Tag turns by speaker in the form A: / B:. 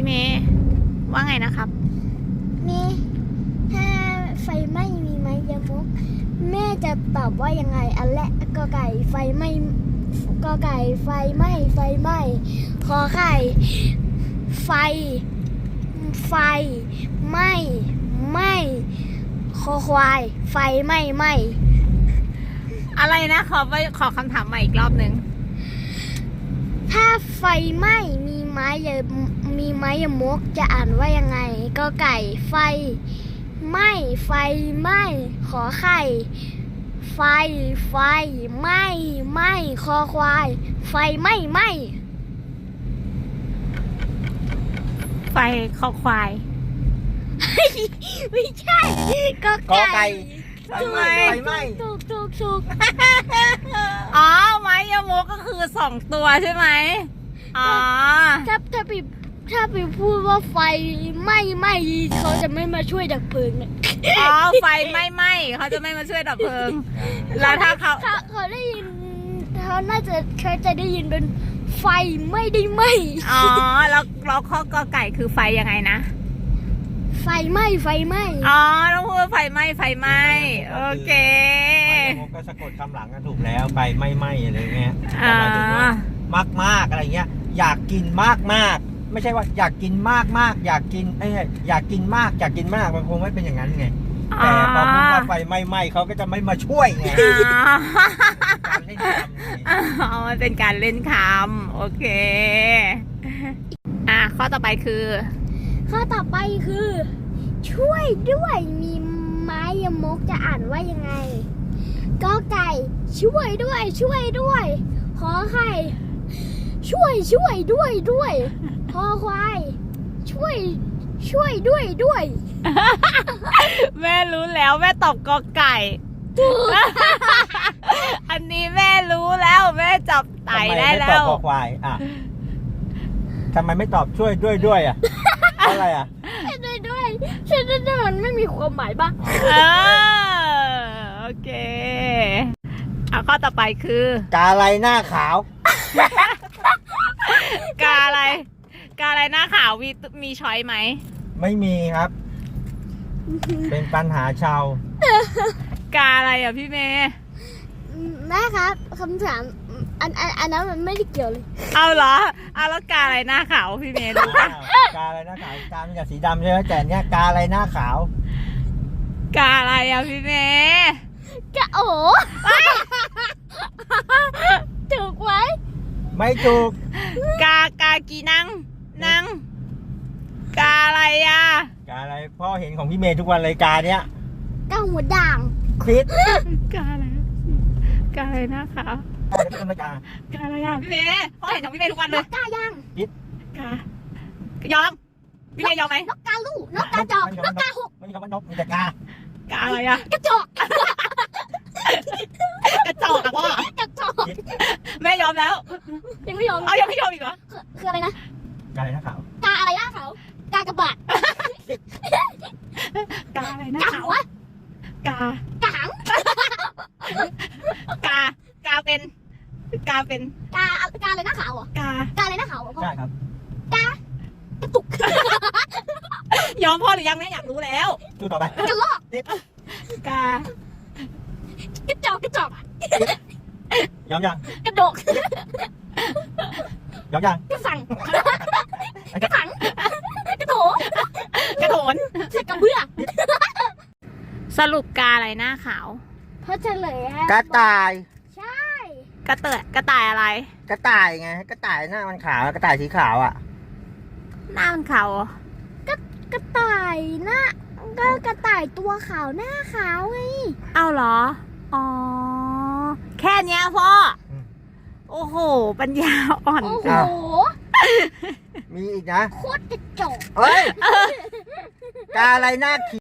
A: เมย์ว่าไงนะครับ
B: มีถ้าไฟไหม้มีไหมยมกแม่จะตอบว่ายังไงอันแรกกอไก่ไฟไหม้กอไก่ไฟไหม้ไฟไหม้ขอไข่ไฟไหม้ไหม้คอควายไฟไหม้ไหม้
A: อะไรนะขอคำถามใหม่อีกรอบหนึ่ง
B: ถ้าไฟไหม้มีไม้ยมกจะอ่านว่ายังไงกอไก่ไฟไหม้ขอไข่ไฟไหม้คอควายไฟไหม้
A: ไฟคอควาย
B: ไม่ใช่กอไก่
C: ไฟไหม้
B: ถูก
A: อ๋อไม้ยมกก็คือ2 ตัวใช่ไหมอ๋อ
B: ถ้าไปพูดว่าไฟไหม้เขาจะไม่มาช่วยดับเพลิงเนี่ย
A: อ๋อไฟไหม้เขาจะไม่มาช่วยดับเพลิงแล้วถ้า
B: เขาได้ยินเขาจะได้ยินเป็นไฟไม่ได้ไหม้
A: อ๋อแล้วข้อกอไก่คือไฟยังไงนะ
B: ไฟไหม้
A: อ๋อต้องพูดไฟไหม้โอเค
C: ก็สะกดคำหลังกันถูกแล้วไปไหม้อะไรเงี้ยหมายถึงว่ามากอะไรเงี้ยอยากกินมากไม่ใช่ว่าอยากกินมากอยากกินอยากกินมากมันคงไม่เป็นอย่างนั้นไงแต่พอพูดว่าไฟไหม้เขาก็จะไม่มาช่วยไง
A: มันเป็นการเล่นคำโอเคข้อต่อไปคือ
B: ช่วยด้วยมีไม้ยมกจะอ่านว่ายังไงกอไก่ช่วยด้วยขอไข่ช่วยด้วยคอควายช่วยด้วย
A: แม่รู้แล้วแม่ตอบกอไก่อันนี้แม่รู้แล้วแม่จับไต่ได้แล้ว
C: ทำไมไม่ตอบคอควายทำไมไม่ตอบช่วยด้วยอะไร
B: ด้วยมันไม่มีความหมายบ้าง
A: โอเคข้อต่อไปคือก
C: าอะไรหน้าขาว
A: กาอะไรหน้าขาวมีช้อยไหม
C: ไม่มีครับเป็นปัญหาชาว
A: กาอะไรพี่เมย์
B: แม่ครับคำถามอันนั้นมันไม่ได้เกี่ยวเลย
A: เอาเหรอแล้วกาอะไรหน้าขาวพี่เมย์รู้ปะ
C: กาอะไรหน้าขาวกาเป็นกับสีดำใช่ไหมแต่เนี้ยกาอะไรหน้าขาว
A: กาอะไรพี่เมย์
B: กาโอ้ถูกไว้
C: ไม่ถูก
A: กากีนังกาอะไร
C: กาอะไรพ่อเห็นของพี่เมย์ทุกวันเลยกาเนี้ย
B: กาหัวด่าง
C: คิด
A: กาอะไรหน้าขาวกาอะไรพี่เมย์พ่อเห็นของพี่เมย์ทุกวันเลย
B: กาย่าง
C: คิด
A: ยอมพี่เมย์ยอมไหม
B: นกกาลูกนกกาจอกนกกาหก
C: ไม่ใช่คำว่านกมีแต่กา
A: อะไร
B: กระจอก
A: พ่อกระจอกแม่ยอมแล้ว
B: ยังไม่ยอม
A: ยังไม่ยอมอีกเหรอ
B: คืออะไรนะ
C: กาอะไรหน้าขาว
B: กาอะไรหน้าขาวกากระบาด
A: กาอะไรหน้าขาวกา
B: หัง
A: กาเป็น
B: กาอะไรหน้าขาวเหรอกาอะไรหน้าขาวเหรอพ่อ
C: ใช่ครับ
B: กระตุก
A: ยอมพ่อหรือยังแม่อยากรู้แล้ว
C: ดูต่อไป
B: กระลอก
A: กระจอก
C: ยอมยัง
B: กระโดก
C: ยอมยัง
B: กระสังกระถังกระโถน
A: กระ
B: เบื้อ
A: สรุปกาอะไรหน้าขาว
B: เพราะเฉลย
C: กระต่าย
B: ใช่
A: กระต่ายอะไร
C: กระต่ายไงกระต่ายหน้ามันขาวกระต่ายสีขาว
A: หน้ามันขาว
B: กระต่ายหน้าก็กระต่ายตัวขาวหน้าขาวไง
A: เอาเหรออ๋อแค่เนี้ยพ่อโอ้โหปัญญาอ่อน
B: โอ้โห
C: มีอีกนะ
B: โคตรกระจอก
C: เฮ้ยกาอะไรหน้า